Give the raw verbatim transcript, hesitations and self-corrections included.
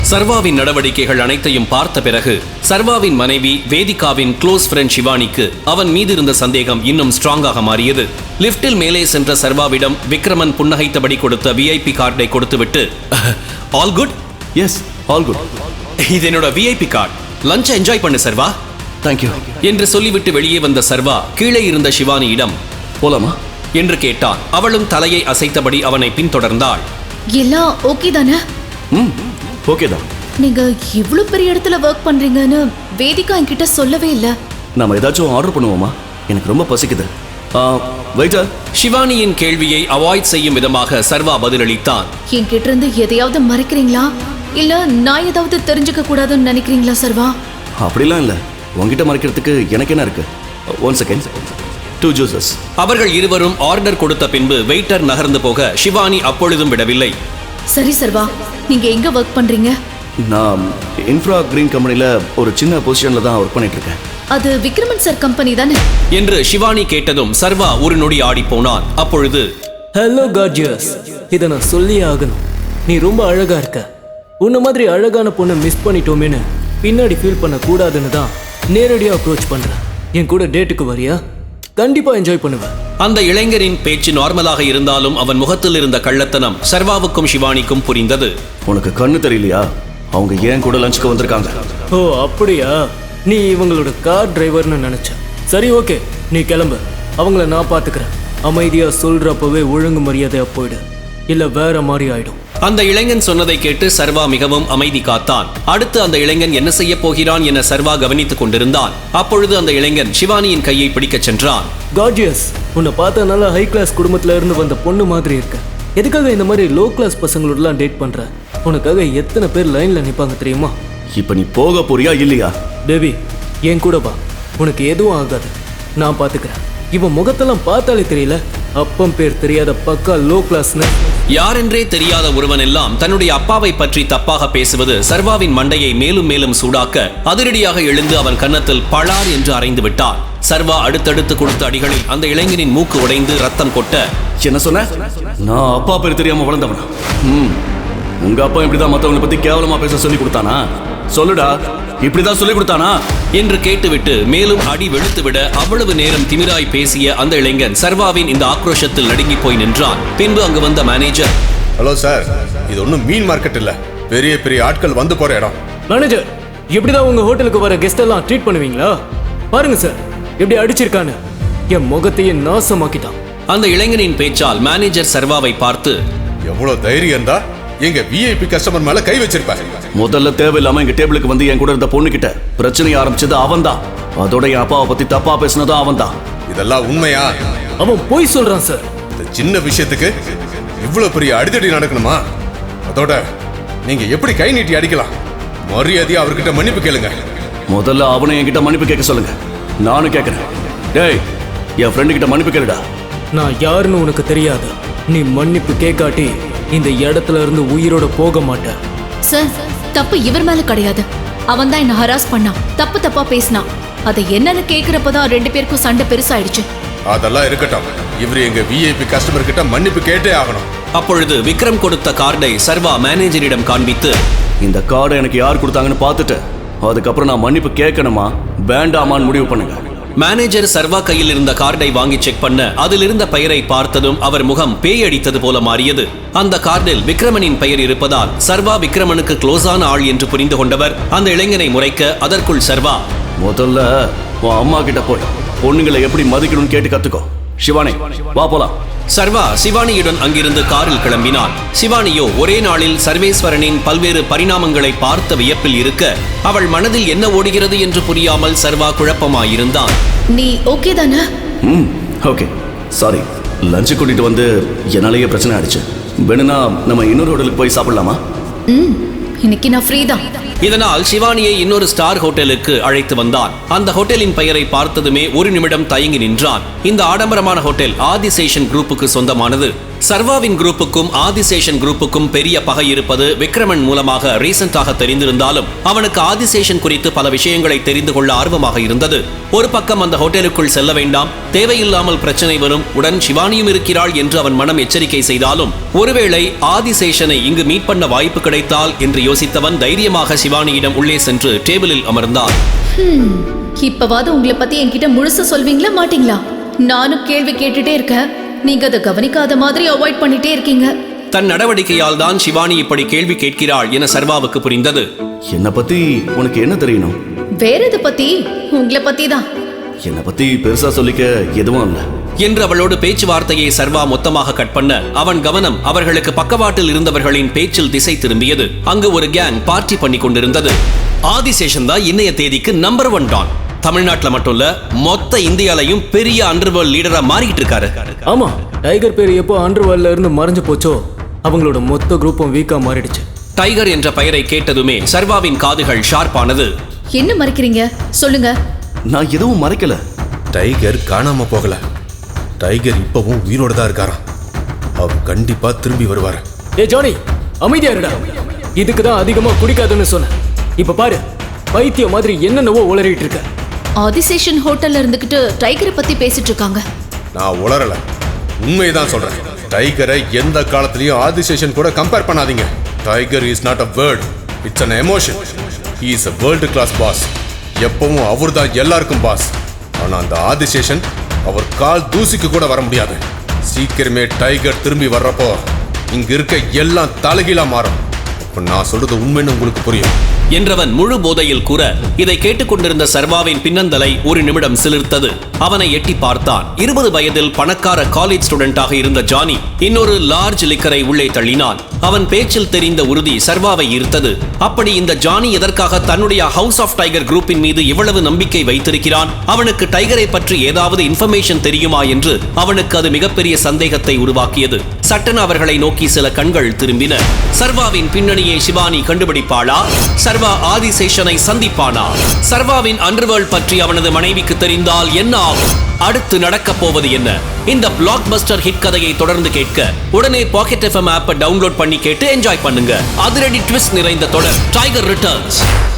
சர்வாவின் நடவடிக்கைகள் அனைத்தையும் பார்த்த பிறகு சர்வாவின் மனைவி வேதிகாவின் க்ளோஸ் ஃப்ரெண்ட் சிவானிக்கு அவன் மீது இருந்த சந்தேகம் இன்னும் ஸ்ட்ராங்காக மாறியது. லிப்டில் மேலே சென்ற சர்வாவிடம் விக்ரமன் புன்னகைத்தபடி கொடுத்த விஐபி கார்டை கொடுத்துவிட்டு, all good? Yes, all good. இது என்னோட விஐபி கார்டு. லஞ்ச் என்ஜாய் பண்ணு சர்வா. தேங்க்யூ என்று சொல்லிவிட்டு வெளியே வந்த சர்வா கீழே இருந்த சிவானியிடம், போலாமா என்று கேட்டான். அவளும் தலையை அசைத்தபடி அவனை பின்தொடர்ந்தாள். எல்லாம் ஓகே தானே? ம், ஓகே தான். நீங்க இவ்ளோ பெரிய இடத்துல வர்க் பண்றீங்கன்னு வேதிகா என்கிட்ட சொல்லவே இல்ல. நாம ஏதாச்சும் ஆர்டர் பண்ணுவோமா? எனக்கு ரொம்ப பசிக்குது. வெயிட்டர். சிவானியின் கேள்வியை அவாய்ட் செய்யும் விதமாக சர்வா பதிலளித்தான். என்கிட்ட இருந்து எதையாவது மறைக்கிறீங்களா, இல்ல நான் ஏதாவது தெரிஞ்சுக்க கூடாதுன்னு நினைக்கிறீங்களா சர்வா? அப்படிலாம் இல்ல, உங்ககிட்ட மறைக்கிறதுக்கு எனக்கு என்ன இருக்கு? One second. Two juices. அவர்கள் இருவரும் ஆர்டர் கொடுத்த பின்பு வெயிட்டர் நகர்ந்து போக சிவானி அப்பொழுதும் விடவில்லை. சரி சர்வா, நீங்க எங்க ஒர்க் பண்றீங்க? நான் இன்ஃப்ரா கிரீன் கம்பெனில ஒரு சின்ன பொசிஷன்ல தான் ஒர்க் பண்ணிட்டு இருக்கேன். அது விக்ரமன் சார் கம்பெனி தானே? என்று சிவானி கேட்டதும் சர்வா ஒரு நொடி ஆடி போனான். அப்பொழுது, ஹலோ கார்ஜியஸ், இதை நான் சொல்லியே ஆகணும். நீ ரொம்ப அழகா இருக்க. உன்ன மாதிரி அழகான பொண்ணை மிஸ் பண்ணிட்டோமேனு பின்னாடி ஃபீல் பண்ண கூடாதுன்னு தான் நேரடியா அப்ரோச் பண்றேன். என் கூட டேட்டுக்கு வரியா? கண்டிப்பா என்ஜாய் பண்ணுவேன். அந்த இளைஞரின் பேச்சு நார்மலாக இருந்தாலும் அவன் முகத்தில் இருந்த கள்ளத்தனம் சர்வாவுக்கும் சிவானிக்கும் புரிந்தது. உனக்கு கண்ணு தெரியலையா? அவங்க ஏன் கூட லஞ்சுக்கு வந்திருக்காங்க. ஓ அப்படியா? நீ இவங்களோட கார் டிரைவர்னு நினைச்ச. சரி ஓகே, நீ கிளம்பு. அவங்கள நான் பாத்துக்கிறேன். அமைதியா சொல்றப்பவே ஒழுங்கு மரியாதையா போயிடு, இல்ல வேற மாதிரி ஆயிடும். அந்த இளைஞன் சொன்னதை கேட்டு சர்வா மிகவும் அமைதி காத்தான். அடுத்து அந்த இளைஞன் என்ன செய்ய போகிறான் என சர்வா கவனித்துக் கொண்டிருந்தான். அப்பொழுது அந்த இளைஞன் சிவானியின் கையை பிடிக்கச் சென்றான். கார்ஜியஸ், உன்னை பார்த்தா நல்லா ஹை கிளாஸ் குடும்பத்துல இருந்து வந்த பொண்ணு மாதிரி இருக்க. எதுக்காக இந்த மாதிரி லோ கிளாஸ் பசங்களோடலாம் டேட் பண்ற? உனக்காக எத்தனை பேர் லைன்ல நிப்பாங்க தெரியுமா? இப்ப நீ போக போறியா இல்லையா? பேபி, என் கூட வா. உனக்கு எதுவும் ஆகாது, நான் பாத்துக்கிறேன். இவன் முகத்தெல்லாம் பார்த்தாலே தெரியல அப்பம் பேர் தெரியாத பக்கா லோ கிளாஸ்னு. யாரென்றே தெரியாத ஒருவன் எல்லாம் தன்னுடைய அப்பாவை பற்றி தப்பாக பேசுவது சர்வாவின் மண்டையை மேலும் மேலும் சூடாக்க அதிரடியாக எழுந்து அவன் கன்னத்தில் பளார் என்று அறைந்து விட்டான். சர்வா அடுத்தடுத்து கொடுத்த அடிகளில் அந்த இளைஞனின் மூக்கு உடைந்து ரத்தம் கொட்ட, என்ன சொன்ன? நான் அப்பா பேர் தெரியாம வளர்ந்தவனா? ம், உங்க அப்பா இப்படிதான் மத்தவங்களை பத்தி கேவலமா பேச சொல்லி கொடுத்தானா? சொல்லுடா, இப்படிதான் சொல்லி கொடுத்தானா என்று கேட்டுவிட்டு மேலும் அடி வெளுத்துவிட அவ்வளவு நேரம் திமிராய் பேசிய அந்த இளைஞன் சர்வாவின் இந்த ஆக்ரோஷத்தில் நடுங்கி போய் நின்றான். பின்பு அங்கு வந்த மேனேஜர், ஹலோ சார், இது ஒன்றும் மீன் மார்க்கெட் இல்ல, பெரிய பெரிய ஆட்கள் வந்து போற இடம். மேனேஜர், இப்படிதான் உங்க ஹோட்டலுக்கு வர கெஸ்ட் எல்லாம் ட்ரீட் பண்ணுவீங்களா? பாருங்க சார், எப்படி அடிச்சிருக்கான்னு. என் முகத்தையே நாசமாக்கிட்டான். அந்த இளைஞனின் பேச்சால் மேனேஜர் சர்வாவை பார்த்து, எவ்வளவு தைரியம் தான் எங்க விஐபி கஸ்டமர் மேல கை வச்சிருப்பாரு. முதல்ல தேவையில்லாம எங்க டேபிளுக்கு வந்து என் கூட இருந்த பொண்ணு கிட்ட பிரச்சனை ஆரம்பிச்சது அவன் தான். அதோட என் அப்பாவை பத்தி தப்பா பேசினதும் அவன் தான். இதெல்லாம் உண்மையா? அவன் போய் சொல்றான் சார். இந்த சின்ன விஷயத்துக்கு இவ்வளவு பெரிய அடிதடி நடக்கணுமா? அதோட நீங்க எப்படி கை நீட்டி அடிக்கலாம்? மரியாதையா அவர்கிட்ட மன்னிப்பு கேளுங்க. முதல்ல அவனை என்கிட்ட மன்னிப்பு கேட்க சொல்லுங்க. நானும் கேட்கிறேன். டேய், என் ஃப்ரெண்டு கிட்ட மன்னிப்பு கேளுடா. நான் யாருன்னு உனக்கு தெரியாது. நீ மன்னிப்பு கேட்காட்டி இந்த இடத்துல இருந்து உயிரோட போக மாட்டேன். சார், தப்பு இவர் மேல கிடையாது. அவன் தான் என்ன ஹராஸ் பண்ணான், தப்பு தப்பா பேசினான். அதை என்னன்னு கேக்குறப்பதான் ரெண்டு பேருக்கும் சண்டை பெருசாயிடுச்சு. அதெல்லாம் இருக்கட்டும், இவரு எங்க விஐபி கஸ்டமர் கிட்ட மன்னிப்பு கேட்டே ஆகணும். அப்பொழுது விக்ரம் கொடுத்த கார்டை சர்வா மேனேஜரிடம் காண்பித்து, இந்த கார்டை எனக்கு யார் கொடுத்தாங்கன்னு பார்த்துட்டு அதுக்கப்புறம் நான் மன்னிப்பு கேட்கணுமா வேண்டாமான்னு முடிவு பண்ணுங்க. மேனேஜர் சர்வா கையில் இருந்த கார்டை வாங்கி செக் பண்ண அதில் இருந்த பெயரை பார்த்ததும் அவர் முகம் பேய் அடித்தது போல மாறியது. அந்த கார்டில் விக்ரமனின் பெயர் இருப்பதால் சர்வா விக்ரமனுக்கு க்ளோஸான ஆள் என்று புரிந்து கொண்டவர் அந்த இளைஞனை முறைக்க, அதற்குள் சர்வா, முதல்ல உன் அம்மா கிட்ட போய் பொண்ணுங்களை எப்படி மதிக்கணும்னு கேட்டு கத்துக்கோ. சிவானி, வா போலாம். சர்வா சிவானியுடன் அங்கிருந்து காரில் கிளம்பினான். சிவானியோ ஒரே நாளில் சர்வேஸ்வரனின் பல்வேறு பரிணாமங்களை பார்த்த வியப்பில் இருக்க, அவள் மனதில் என்ன ஓடுகிறது என்று புரியாமல் சர்வா குழப்பமாயிருந்தான். நீ ஓகே தானே? ம், ஓகே. சாரி, லஞ்சு கூட்டிட்டு வந்து என்னாலேயே பிரச்சனை ஆயிடுச்சு. வேணும்னா நம்ம இன்னொரு ஹோட்டலுக்கு போய் சாப்பிடலாமா? ம், இன்னைக்கு நான் ஃப்ரீ தான். இதனால் சிவானியை இன்னொரு ஸ்டார் ஹோட்டலுக்கு அழைத்து வந்தான். அந்த ஹோட்டலின் பெயரை பார்த்ததுமே ஒரு நிமிடம் தயங்கி நின்றான். இந்த ஆடம்பரமான ஹோட்டல் ஆதிசேஷன் குரூப்புக்கு சொந்தமானது. சர்வாவின் குரூப்புக்கும் ஆதிசேஷன் குரூப்புக்கும் பெரிய பகை இருப்பது விக்ரமன் மூலமாக ரீசெண்டாக தெரிந்திருந்தாலும் அவனுக்கு ஆதிசேஷன் குறித்து பல விஷயங்களை தெரிந்து கொள்ள ஆர்வமாக இருந்தது. ஒரு பக்கம் அந்த ஹோட்டலுக்குள் செல்ல வேண்டாம், தேவையில்லாமல் பிரச்சனை வரும், உடன் சிவானியும் இருக்கிறாள் என்று அவன் மனம் எச்சரிக்கை செய்தாலும் ஒருவேளை ஆதிசேஷனை இங்கு மீட் பண்ண வாய்ப்பு கிடைத்தால் என்று யோசித்தவன் தைரியமாக சிவானியிடம் உள்ளே சென்று டேபிளில் அமர்ந்தான். இப்பவாது உங்களை பத்தி என்கிட்ட முழுசா சொல்வீங்களா மாட்டீங்களா? நானும் கேள்வி கேட்டுட்டே இருக்கேன், நீங்க அதை கவனிக்காத மாதிரி அவாய்ட் பண்ணிட்டே இருக்கீங்க. தன் நடவடிக்கையால் தான் சிவானி இப்படி கேள்வி கேட்கிறாள் என சர்வாவுக்கு புரிந்தது. என்னை பத்தி உனக்கு என்ன தெரியணும்? வேற எதை பத்தி? உங்களை பத்தி தான். என்னை பத்தி பெருசா சொல்லிக்க எதுவும் இல்ல என்று அவளோடு பேச்சுவார்த்தையை சர்வா மொத்தமாக கட் பண்ண அவன் கவனம் அவர்களுக்கு பக்கவாட்டில் இருந்தவர்களின் பேச்சில் திசை திரும்பியது. அங்கு ஒரு கேங் பார்ட்டி பண்ணி கொண்டிருந்தது. ஆதிசேஷன் தான் இன்னைய தேதிக்கு நம்பர் ஒன் டான். தமிழ்நாட்டுல மட்டும் இல்ல, மொத்த இந்தியாலையும் பெரிய அண்டர்வேர்ல்ட் லீடரா மாறிட்டு இருக்காரு. ஆமா, டைகர் பேர் எப்போ அண்டர்வேர்ல்ட்ல இருந்து மறைஞ்சு போச்சோ அவங்களோட மொத்த குரூப்பும் வீக்கா மாறிடுச்சு. டைகர் என்ற பெயரை கேட்டதுமே சர்வாவின் காதுகள் ஷார்ப்பானது. என்ன மறைக்கிறீங்க? சொல்லுங்க. நான் எதுவும் மறைக்கல. டைகர் காணாம போகல. டைகர் இப்பவும் உயிரோட தான் இருக்காராம். அவர் கண்டிப்பா திரும்பி வருவாரு. ஏ ஜானி, அமைதியா இருடா. இதுக்கு தான் அதிகமா குடிக்காதுன்னு சொன்னேன். இப்ப பாரு, பைத்தியம் மாதிரி என்னென்னவோ உளறிட்டு இருக்க. ஆதிசேஷன் ஹோட்டல்ல இருந்துகிட்டு டைகரை பத்தி பேசிட்டு இருக்காங்க. நான் உளறல, உண்மைதான் சொல்றேன். டைகரை எந்த காலத்திலயும் ஆதிசேஷன் கூட கம்பேர் பண்ணாதீங்க. Tiger is not a word, it's an emotion. he is a world class boss. எப்பவும் அவர் தான் எல்லாருக்கும் பாஸ். ஆனா அந்த ஆதிசேஷன் அவர் கால் தூசிக்கு கூட வர முடியாது. சீக்கிரமே டைகர் திரும்பி வர்றப்போ இங்க இருக்க எல்லாம் தலைகீழா மாறும். அப்ப நான் சொல்றது உண்மைன்னு உங்களுக்கு புரியும் என்றவன் முழு போதையில் கூற இதை கேட்டுக்கொண்டிருந்த சர்வாவின் பின்னந்தலை ஒரு நிமிடம் சிலிர்த்தது. அவனை எட்டி பார்த்தான். இருபது வயதில் பணக்கார காலேஜ் ஸ்டூடெண்டாக இருந்த ஜானி இன்னொரு லார்ஜ் லிக்கரை உள்ளே தள்ளினான். அவன் பேச்சில் தெரிந்த உறுதி சர்வாவை ஈர்த்தது. அப்படி இந்த ஜானி எதற்காக தன்னுடைய ஹவுஸ் ஆஃப் டைகர் குரூப்பின் மீது இவ்வளவு நம்பிக்கை வைத்திருக்கிறான்? அவனுக்கு டைகரை பற்றி ஏதாவது இன்ஃபர்மேஷன் தெரியுமா என்று அவனுக்கு அது மிகப்பெரிய சந்தேகத்தை உருவாக்கியது. சட்டென அவர்களை நோக்கி சில கண்கள் திரும்பின. சர்வாவின் பின்னணியை சிவானி கண்டுபிடிப்பாளா? சர்வா ஆதிசேஷனை சந்திப்பானா? சர்வாவின் அண்டர்வேர்ல்ட் பற்றி அவனது மனைவிக்கு தெரிந்தால் என்ன ஆகும்? அடுத்து நடக்கப் போவது என்ன? இந்த பிளாக் பஸ்டர் ஹிட் கதையை தொடர்ந்து கேட்க உடனே பாக்கெட் எஃப்எம் ஆப்பை டவுன்லோட் பண்ணி கேட்டு என்ஜாய் பண்ணுங்க. அதிரடி ட்விஸ்ட் நிறைந்த தொடர் டைகர் ரிட்டர்ன்ஸ்.